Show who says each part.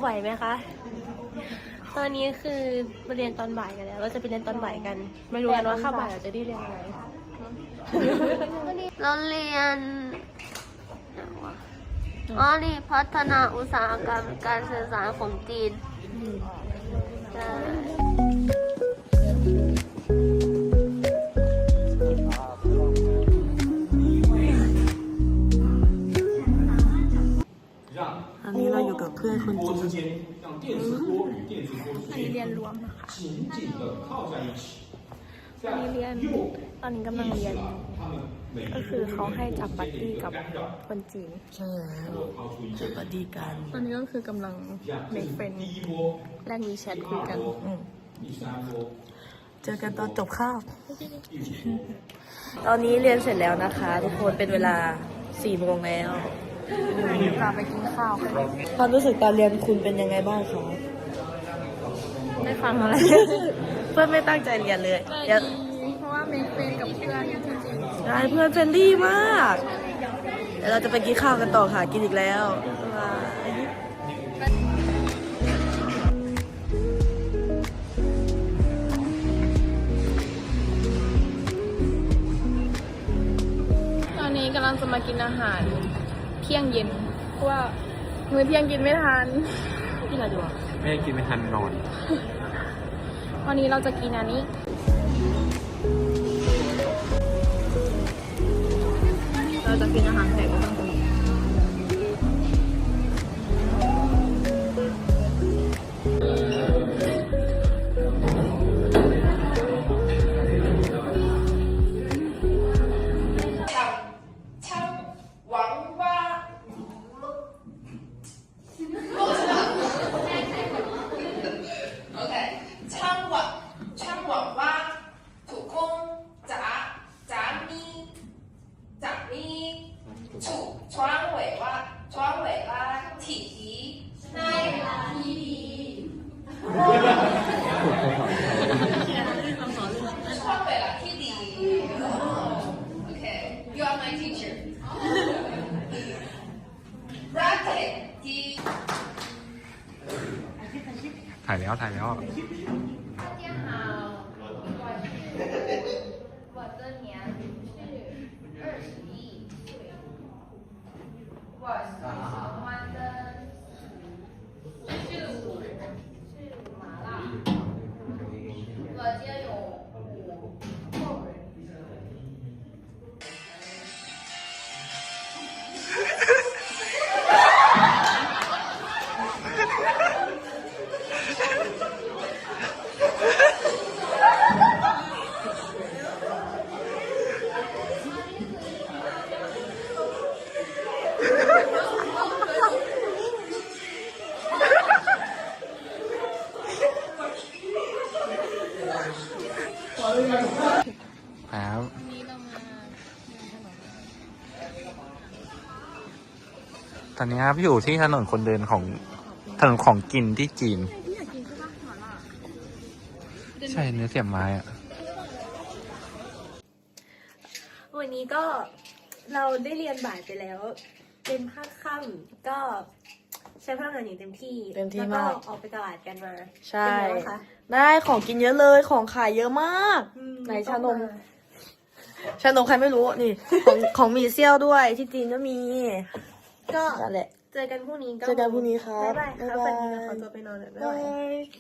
Speaker 1: ไหวไหมคะตอนนี้คือมาเรียนตอนบ่ายกันแล้วเราจะไปเรียนตอนบ่ายกันไม่รู้กันว่าข้าวบ่ายเราจะได้เรียนอะไรเราเรียนอ๋อนี่พัฒนาอุตสาหกรรมการสื่อสารของจีนอันนี้เราอยู่กับเพื่อนคนจีนอันนี้เรียนรวมนะคะอันนี้เรียนตอนนี้กำลังเรียนก็คือเขาให้จับบัดดี้กับคนจีนใช่แล้วจับบัดดี้กันตอนนี้ก็คือกำลังเมคเฟรนด์แลกวีแชทคุยกันเจอกันตอนจบคาบตอนนี้เรียนเสร็จแล้วนะคะทุกคนเป็นเวลา4 โมงแล้วกลับไปกินข้าวกันความรู้สึกตอนเรียนคุณเป็นยังไงบ้างคะไม่ฟังอะไรเพื่อนไม่ตั้งใจเรียนเลยเพราะว่าเมคเฟรนกับเพื่อนจริงๆใช่เพื่อนเฟรนลี่มากเดี๋ยวเราจะไปกินข้าวกันต่อค่ะกินอีกแล้วตอนนี้กำลังจะมากินอาหารเที่ยงเย็นเพราะว่ามื้อเที่ยงกินไม่ทันกินอะไรดีวะ
Speaker 2: ไม่ได้กินไม่ทันนอน
Speaker 1: วันนี้เราจะกินอันนี้เราจะกินอาหารแปลกบ้าง
Speaker 2: ถ่ายแล้วถ่ายแล้วครับตอนนี้ครับอยู่ที่ถนนคนเดินของถนนของกินที่จีนใช่เนื้อเสียบไม้อะ
Speaker 1: วันนี้ก็เราได้เรียนบ่ายไปแล้วเป็นภาคค่ำก็ใช้พลังงานอย่างเต็มที่มากออกไปตลาดกันมาใช่ได้ของกินเยอะเลยของขายเยอะมากไหนชานมใครไม่รู้นี่ของมีเซี่ยวด้วยที่จีนก็มีก็นั่นแหละเจอกันพรุ่งนี้ครับบ๊ายบายครับวันนี้ขอตัวไปนอนแล้วบ๊ายบาย